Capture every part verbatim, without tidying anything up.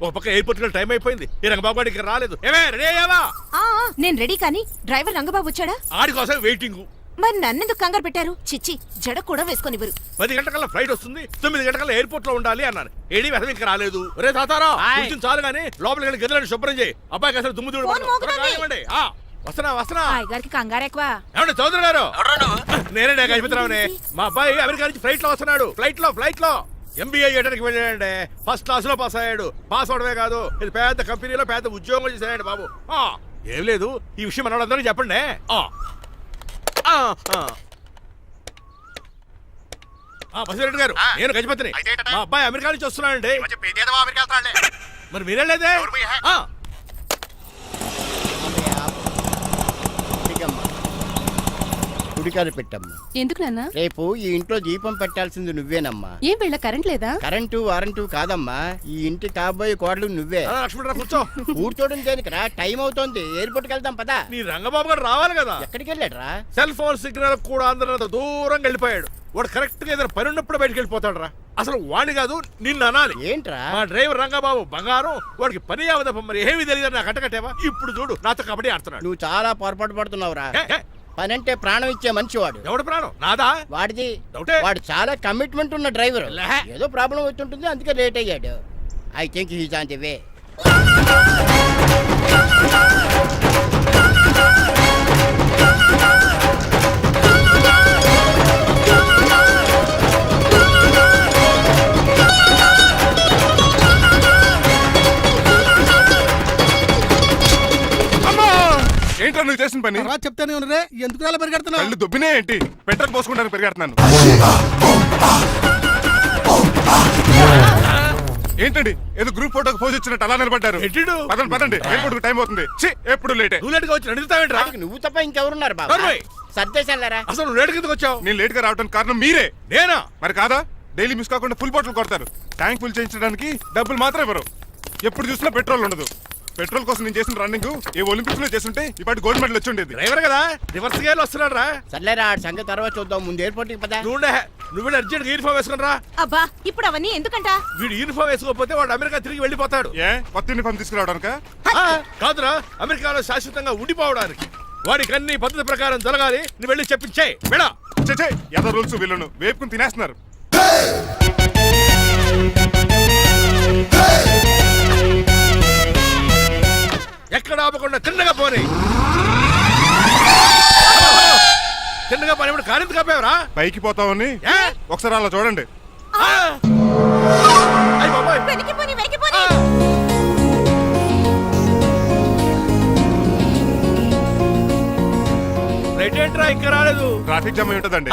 ఒక పక్క ఎయిర్పోర్ట్ లో టైం అయిపోయింది. ఈ రంగబాబు గారు ఇక్కడ రాలేదు. ఏమే రెడీ అయ్యావా? నేను రెడీ కానీ డ్రైవర్ రంగబాబు వచ్చాడా? ఆడి కోసం వెయిటింగ్. మరి నన్నెందుకు కంగారు పెట్టారు? చిచ్చి, జడ కూడా వేసుకొనివ్వరు. పది గంటకల్లా ఫ్లైట్ వస్తుంది, తొమ్మిది గంటకల్లా ఎయిర్పోర్ట్ లో ఉండాలి అన్నాను. ఏడి వెధవ ఇంకా రాలేదు. రే తాతారా కూర్చుని చాలు గానీ లోపలికి వెళ్ళి గదిలో శుభ్రం చేయి. అబ్బాయికి అసలు దుమ్ము చూడు. వస్తున్నా వస్తున్నా. గారికి కంగారు ఎక్కువ. ఏమండి చౌదరి గారు? నేనే గజపతిరావునే. మా అబ్బాయి అమెరికా నుంచి ఫ్లైట్ లో వస్తున్నాడు. ఫ్లైట్ లో ఫ్లైట్ లో ఎంబీఏ చేయడానికి వెళ్ళాడండి. ఫస్ట్ క్లాస్ లో పాస్ అయ్యాడు. పాస్ అవడమే కాదు, ఇది పెద్ద కంపెనీలో పెద్ద ఉద్యోగం చేశాడు బాబు. ఏం లేదు, ఈ విషయం మనోళ్ళందరికీ చెప్పండి. బసిరెడ్డి గారు, నేను గజపతిని. మా అబ్బాయి అమెరికా నుంచి వస్తున్నాడండి. మరి మీరేలేదే? గుడికారు పెట్టమ్మా. ఎందుకు నాన్న? రేపు ఈ ఇంట్లో దీపం పెట్టాల్సింది నువ్వేనమ్మా. ఏం వీళ్ళ కరెంట్ లేదా? కరెంటు వారంటు కాదమ్మా, ఈ ఇంటి కాబోయే కోడలు నువ్వే. కూర్చో. కూర్చోడం దేనికిరా? టైం అవుతోంది, ఎయిర్పోర్ట్ కి వెళ్దాం పదా. నీ రంగబాబు గారు రావాలి కదా. ఎక్కడికి వెళ్ళాడు రా? సెల్ ఫోన్ సిగ్నల్ కూడా అందరూ దూరంగా వెళ్ళిపోయాడు. వాడు కరెక్ట్ గా ఏదైనా పని ఉన్నప్పుడు బయటకు వెళ్ళిపోతాడు రా. అసలు వాణి కాదు, నిన్ను అనాలి. ఏంట్రా? మా డ్రైవర్ రంగబాబు బంగారం. వాడికి పని అవదప్ప, మరి ఏమీ తెలియదు. నాకు కట్టకట్టేవా? ఇప్పుడు చూడు, నాతో కబడ్డీ ఆడుతున్నాడు. నువ్వు చాలా పొరపాటు పడుతున్నావురా. పని అంటే ప్రాణం ఇచ్చే మనిషి వాడు. ఎవడు ప్రాణం? నాదా? వాడిది. వాడు చాలా కమిట్మెంట్ ఉన్న డ్రైవర్. ఏదో ప్రాబ్లం అవుతుంటుంది, అందుకే లేట్ అయ్యాడు. I think he's on the way. ఏంటో నువ్వు చేసిన పని? చెప్తానే ఉన్నరే, ఎందుకు అలా పరిగెడుతున్నావు? కళ్ళు దుబ్బినే ఏంటి? పెట్రోల్ పోసుకుంటానికి పరిగెడుతున్నాను. ఏంటండి ఏదో గ్రూప్ ఫోటోకి పోజ్ ఇచ్చినట్టు అలా నిలబడ్డారు? పదండి పదండి, ఎయిర్పోర్ట్ టైం అవుతుంది. ఎప్పుడు లేట్ నువ్వు తప్ప ఇంకెవరున్నారు బాబా? సర్దేశారా? అసలు నువ్వు లేట్ కిందకు వచ్చావు. నేను లేట్ గా రావడానికి కారణం మీరే. నేనా? మరి కాదా? డైలీ మిస్ కాకుండా ఫుల్ బాటిల్ కొడతారు. ట్యాంక్ ఫుల్ చేయించడానికి డబ్బులు మాత్రం ఇవ్వరు. ఎప్పుడు చూసినా పెట్రోల్ ఉండదు. పెట్రోల్ కోసం నేను చేసిన రన్నింగ్ ఏ ఒలింపిక్స్ లో చేస్తుంటే ఇప్పటి గోల్డ్ మెడల్ వచ్చి ఉండేది. డ్రైవర్ కదా, రివర్స్ గేర్ వస్తున్నాడు రా. సర్లేరా, సంగతి తర్వాత చూద్దాం, ముందు ఎయిర్పోర్ట్ కి పదా. నువ్వు అర్జెంట్ యూనిఫామ్ వేసుకుని రా. అబ్బా, ఇప్పుడు అవన్నీ ఎందుకంట? వీడు యూనిఫామ్ వేసుకోకపోతే వాడు అమెరికా తిరిగి వెళ్ళిపోతాడు. ఏ కొత్త యూనిఫామ్ తీసుకురావడానికా? కాదురా, అమెరికాలో శాశ్వతంగా ఉండిపోవడానికి. వాడికి అన్ని పద్ధతి ప్రకారం జరగాలి. నువ్వు వెళ్ళి చెప్పించే వెళ్ళా. ఏదో రూల్స్ వీళ్ళను వేపుకుని తినేస్తున్నారు. ఎక్కడ ఆపకుండా తిన్నగా పోనీ. తిన్నగా పోనీ. ఇప్పుడు కారింత కాపేవరా? పైకి పోతావని ఒకసారి అలా చూడండి. రైట్ ఏంట్రా ఇంకా రాలేదు? ట్రాఫిక్ జామ్ అయి ఉంటదండి.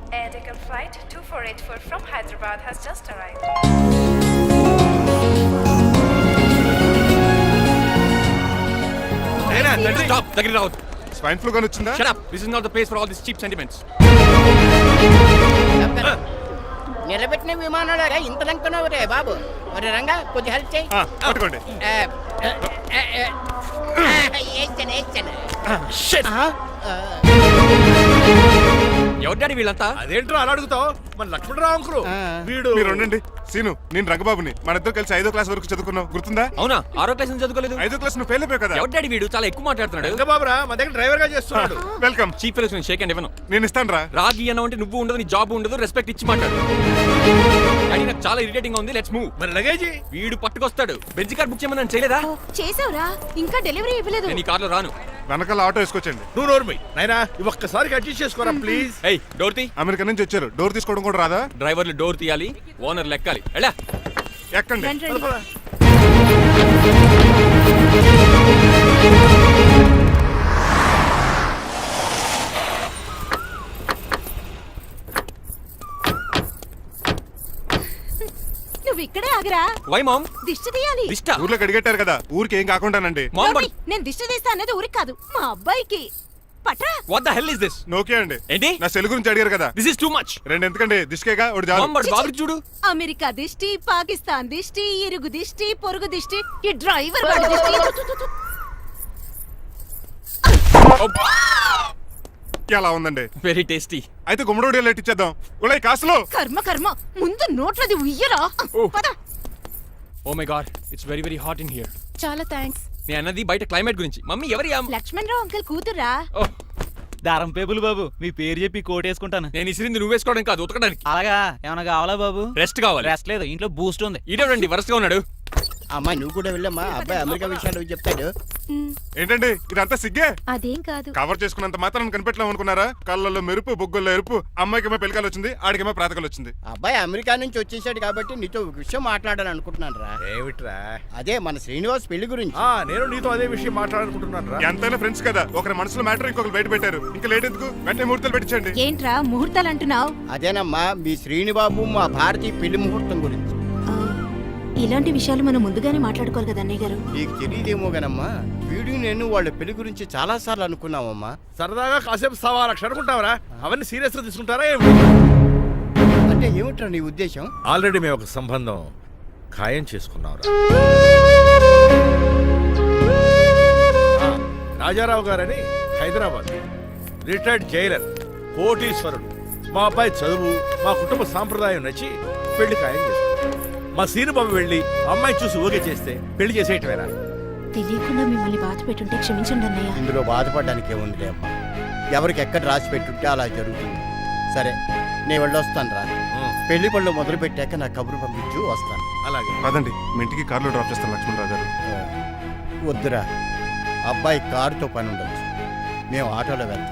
Stop! దగ్గరికి రావద్దు. స్వైన్ ఫ్లూ గాని వచ్చిందా? Shut up! This is not the place for all these cheap sentiments. నిలబెట్టిన విమానాలు ఇంత లంకనవు రే బాబు. మరి రంగా కొద్ది హెల్ప్ చేయి. పట్టుకోండి. ఎవరు డాడీ వీళ్ళంతా? అదేంట్రా అలా అడుగుతావు? మన లక్ష్మణరావు అంకులు వీడు. మీరు ఉండండి. సీను, నేను రంగబాబుని. మన ఇద్దరు కలిసి ఐదో క్లాస్ వరకు చదువుకున్నావు, గుర్తుందా? అవునా? ఆరో క్లాస్ నుంచి చదువుకోలేదు. ఐదో క్లాస్ నువ్వు ఫెయిల్ అయిపోయావు కదా. ఎవరు డాడీ వీడు? చాలా ఎక్కువ మాట్లాడుతున్నాడు. రంగబాబురా, మా దగ్గర డ్రైవర్ గా చేస్తున్నాడు. వెల్కమ్. చీప్ ఫెలోస్ నేను షేక్ అండ్ ఇవ్వను. నేను ఇస్తాను రా. రాగి అన్న అంటే నువ్వు ఉండదు, నీ జాబ్ ఉండదు, రెస్పెక్ట్ ఇచ్చి మాట్లాడు. డాడీ నాకు చాలా ఇరిటేటింగ్ గా ఉంది. Let's move. మరి లగేజీ? వీడు పట్టుకొస్తాడు. బెంజ్ కార్ బుక్ చేయమని చేయలేదా? చేసావురా, ఇంకా డెలివరీ ఇవ్వలేదు. నేను ఈ కార్ లో రాను. వెనకాల ఆటో వేసుకొచ్చండి. నువ్వు నోర్మై నాయనా, ఒక్కసారి అడ్జస్ట్ చేసుకోరా ప్లీజ్. ఏయ్, డోర్ తీ. అమెరికా నుంచి వచ్చారు, డోర్ తీసుకోవడం కూడా రాదా? డ్రైవర్లు డోర్ తీయాలి, ఓనర్ లెక్కాలి. ఎలా ఎక్కండి. నువ్వు ఇక్కడే ఆగిరా. Why ma'am? దిష్టి తీయాలి. దిష్ట? ఊర్లో కడిగట్టారు కదా, ఊరికి ఏం కాకుండానండి. నేను దిష్టి తీస్తా అన్నది ఊరికి కాదు, మా అబ్బాయికి. పట్రా. What the hell is this? నోకే అండి. ఏంటి? నా సెల్ గురించి అడిగారు కదా. This is too much. రెండు ఎందుకండి, దిష్కేగా ఒకటి చాలు. మామ్ బాబు చూడు. అమెరికా దిష్టి, పాకిస్తాన్ దిష్టి, ఇరుగు దిష్టి, పొరుగు దిష్టి, ఈ డ్రైవర్ వాడి దిష్టి. ఎలా ఉందండి? Very tasty. అయితే గుమ్మడి లెట్ ఇచ్చేద్దాం. ఉలై కాసులో. కర్మ కర్మ, ముందు నోట్లది ఉయ్యరా. పద. Oh my god it's very very hot in here. చాలా థ్యాంక్స్. నేను అన్నది బయట క్లైమేట్ గురించి. మమ్మీ ఎవరి అమ్మ? లక్ష్మణ్ రావు అంకుల్ కూతురా. ఓహ్, దారం పేపులు బాబు, మీ పేరు చెప్పి కోటేసుకుంటాను. నేను ఇసిరింది నువ్వు వేసుకోవడం కాదు, ఉతకడానికి. అలాగా ఏమైనా కావాలా బాబు? రెస్ట్ కావాలి. రెస్ట్ లేదు, ఇంట్లో బూస్ట్ ఉంది. ఈడేవండి వరుసగా ఉన్నాడు. అమ్మా నువ్వు కూడా వెళ్ళమ్మా, అబ్బాయి అమెరికా విషయాలు చెప్తాడు. ఏంటండి ఇదంతా సిగ్గే? అదేం కాదు. కవర్ చేసుకున్నంత మాత్రం కనిపెట్టలేము అనుకున్నారా? కళ్ళల్లో మెరుపు, బొగ్గుల్లో ఎరుపు. అమ్మాయికేమో పెళ్ళికాలు వచ్చింది, ఆడికేమో ప్రాతకాలు వచ్చింది. అబ్బాయి అమెరికా నుంచి వచ్చేసాడు కాబట్టి నీతో ఒక విషయం మాట్లాడాలని అనుకుంటున్నాను రా. ఏమిట్రా? అదే మన శ్రీనివాస్ పెళ్లి గురించి. ఆ, నేను నీతో అదే విషయం మాట్లాడాలనుకుంటున్నాను రా. ఎంతైనా ఫ్రెండ్స్ కదా, ఒకరి మనసులో మ్యాటర్ ఇంకొకరు బయట పెట్టారు. ఇంకా లేట్ ఎందుకు, వెంటనే ముహూర్తాలు పెట్టించండి. ఏంట్రా ముహూర్తాలు అంటున్నావు? అదేనమ్మా మీ శ్రీనిబాబు మా భారతీయ పెళ్లి ముహూర్తం గురించి. ఇలాంటి విషయాలు మనం ముందుగానే మాట్లాడుకోవాలి కదా అన్నయ్య గారు. నీకు తెలియదేమో గనమ్మా, వీడు నేను వాళ్ళ పెళ్లి గురించి చాలా సార్లు అనుకున్నామమ్మా. సరదాగా కాసేపు సవా లక్ష అనుకుంటావరా? అవన్నీ సీరియస్ గా తీసుకుంటారా ఏమిటి? అంటే ఏమిట్రా నీ ఉద్దేశం? ఆల్రెడీ మేము ఒక సంబంధం ఖాయం చేసుకున్నాం. రాజారావు గారని హైదరాబాద్ రిటైర్డ్ జైలర్, కోటీశ్వరుడు. మా అబ్బాయి చదువు, మా కుటుంబ సాంప్రదాయం నచ్చి పెళ్లి ఖాయం చేసుకున్నాం. మా సీనుబాబు వెళ్ళి అమ్మాయి చూసి ఊగే చేస్తే పెళ్లి చేసేయటమేనా? తెలియకుండా మిమ్మల్ని బాధ పెట్టుంటే క్షమించండి అన్నయ్య. ఇందులో బాధపడడానికి ఏముందిలే అమ్మా, ఎవరికి ఎక్కడ రాసి పెట్టుంటే అలా జరుగుతుంది. సరే నేను వెళ్ళొస్తాను రా. పెళ్లి పళ్ళు మొదలు పెట్టాక నా కబురు పంపించు, వస్తాను. అలాగే. కాదండి, మీ ఇంటికి కార్లో డ్రాప్ చేస్తాను లక్ష్మణరావు గారు. వద్దురా, అబ్బాయి కారుతో పని ఉండొచ్చు, మేము ఆటోలో వెళ్తాం.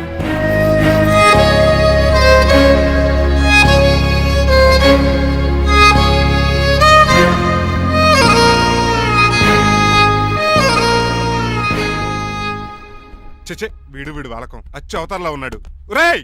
చెచ్చే, వీడు వీడు వాలకం అచ్చు అవతారలా ఉన్నాడు. రేయ్,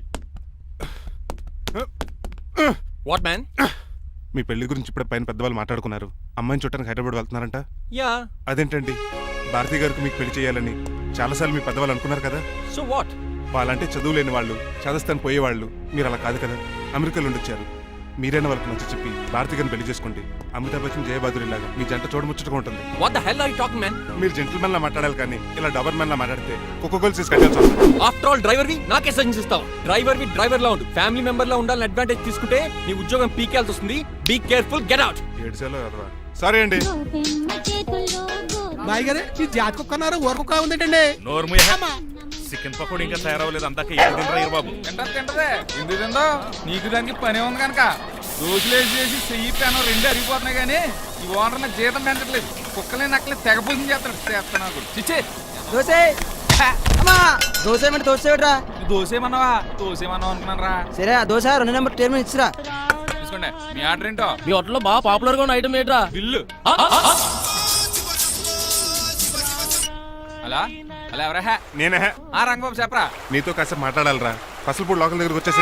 వాట్ మ్యాన్? మీ పెళ్లి గురించి ఇప్పుడు పైన పెద్దవాళ్ళు మాట్లాడుకున్నారు. అమ్మాయిని చూడటానికి హైదరాబాద్ వెళ్తున్నారంట. యా. అదేంటండి, భారతి గారికి మీకు పెళ్లి చేయాలని చాలాసార్లు మీ పెద్దవాళ్ళు అనుకున్నారు కదా. So what? వాళ్ళంటే చదువు లేని వాళ్ళు, చదస్తాను పోయేవాళ్ళు. మీరు అలా కాదు కదా, అమెరికాలో ఉండొచ్చారు. మీరైనా వాళ్ళకి నచ్చ చెప్పి భారతి గారిని పెళ్లి చేసుకోండి. అమితాబ్ బచ్చన్, జయబాదురి లాగా మీ జంట చూడముచ్చటగా ఉంటుంది. What the hell are you talking man? మీరు జెంటిల్మెన్ లా మాట్లాడాలి కానీ ఇలా డబర్ మెన్ లా మాట్లాడితే కుక్క గోల్స్ వేసి కట్టాల్సి వస్తుంది. ఆఫ్టర్ ఆల్ డ్రైవర్ వి నాకే సజెషన్ ఇస్తావు? డ్రైవర్ వి డ్రైవర్ లా ఉండు, ఫ్యామిలీ మెంబర్ లా ఉండాలని అడ్వాంటేజ్ తీసుకుంటే నీ ఉద్యోగం పీకేల్సి వస్తుంది. Be careful, get out. ఏడ్చేలో కదరా. సారీ అండి. బాయ్ గారే ఈ జాతి కుక్క అన్నారు, ఊర కుక్క ఉందేటండి. చికెన్ పకోడీ ఇంకా తయారవ్వలేదు, అందాక తినరా బాబు. తింటది తింటదే ఎందుకు తిందో, నీకు దానికి పని ఉంది కనుక. దోశలేసి చేసి చెయ్యి పెనం రెండు అరిగిపోతున్నాయి కానీ ఈ ఓనర్ నాకు జీతం పెంచట్లేదు. కుక్కలే నక్కలే తెగపోసం చేస్తాడు. చేస్తాను నాకు చిచ్చే దోశ అమ్మా, దోశ ఏమంటే దోశ ఏమిట్రా? దోసేమన్నావా? దోసేమన్నావు అనుకున్నాను రా. సరే ఆ దోశ రెండు నెంబర్ టేబుల్ ఇచ్చిరా. తీసుకోండి, మీ ఆర్డర్ ఏంటో. మీ హోటల్లో బాగా పాపులర్ గా ఉన్న ఐటమ్ ఏంట్రా? బిల్లు. అలా అలా ఎవరా? నేనే. ఆ రంగబాబు చెప్పరా. నీతో కాసేపు మాట్లాడాలిరా. పసలపూడి లోకల్ దగ్గరకు వచ్చేసి.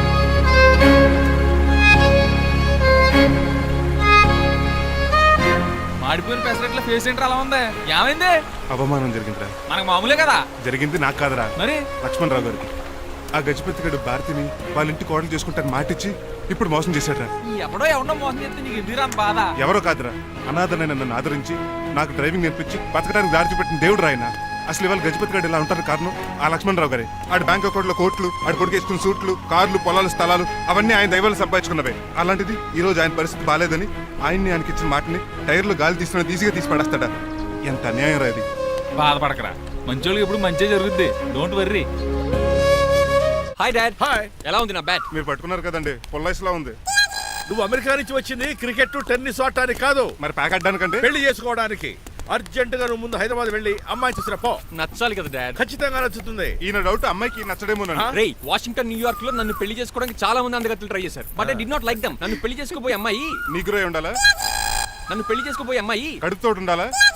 మాడిపోయిన పెసరట్ల ఫేస్ ఏంటర్ అలా ఉంది, ఏమైంది? అవమానం జరిగిందిరా. మనకు మామూలే కదా. జరిగింది నాకు కాదురా, మరి లక్ష్మణరావు గారికి. ఆ గజపతి గడు భారతిని వాళ్ళ ఇంటి కోడలు చేసుకుంటాను మాటిచ్చి ఇప్పుడు మోసం చేశాడ్రా. ఈ ఎవడో ఎవడో మోసం చేస్తే నీకు ఎందుకు రాని బాధ? ఎవరో కాదురా, అనాథనైన నన్ను ఆదరించి నాకు డ్రైవింగ్ నేర్పించి బతకడానికి దారి చూపెట్టిన దేవుడు రాయన. అసలు ఇవాళ గజపతి గడు ఇలా ఉంటారు కారణం ఆ లక్ష్మణరావు గారే. ఆడు బ్యాంక్ అకౌంట్లో కోట్లు, ఆడు కొడుకు వేసుకున్న సూట్లు, కార్లు, పొలాలు, స్థలాలు అవన్నీ ఆయన దైవాలు సంపాదించుకున్నవే. అలాంటిది ఈ రోజు ఆయన పరిస్థితి బాగాలేదని ఆయన్ని ఆయనకి ఇచ్చిన మాటని టైర్లు గాలి తీసుకున్న ఈజీగా తీసి పడేస్తాడా? ఎంత అన్యాయం రా ఇది. బాధపడకరా, మంచోళ్ళకి ఎప్పుడు మంచి జరుగుద్ది. Don't worry. Hi dad. Hi. ఎలా ఉంది నా బ్యాట్? మీరు పట్టుకున్నారు కదండి, పొల్లైస్లా ఉంది. నువ్వు అమెరికా నుంచి వచ్చింది క్రికెట్ టెన్నిస్ ఆడటానికి కాదు, మరి ప్యాక్ అడ్డానికంటే పెళ్లి చేసుకోవడానికి. అర్జెంట్ గా నువ్వు ముందు హైదరాబాద్ వెళ్ళి అమ్మాయి చూసిన పో. నచ్చాలి కదా డాడ్. ఖచ్చితంగా నచ్చుతుంది. ఈయన డౌట్ అమ్మాయికి నచ్చడేమోనండి. రేయ్, వాషింగ్టన్, న్యూయార్క్ లో నన్ను పెళ్లి చేసుకోవడానికి చాలా మంది అందగత్తెలు ట్రై చేశారు. But I did not like them. నన్ను పెళ్లి చేసుకోబోయే అమ్మాయి నీకు రోయ్ ఉండాలా, నన్ను పెళ్లి చేసుకోబోయే అమ్మాయి కడుపుతో ఉండాలా,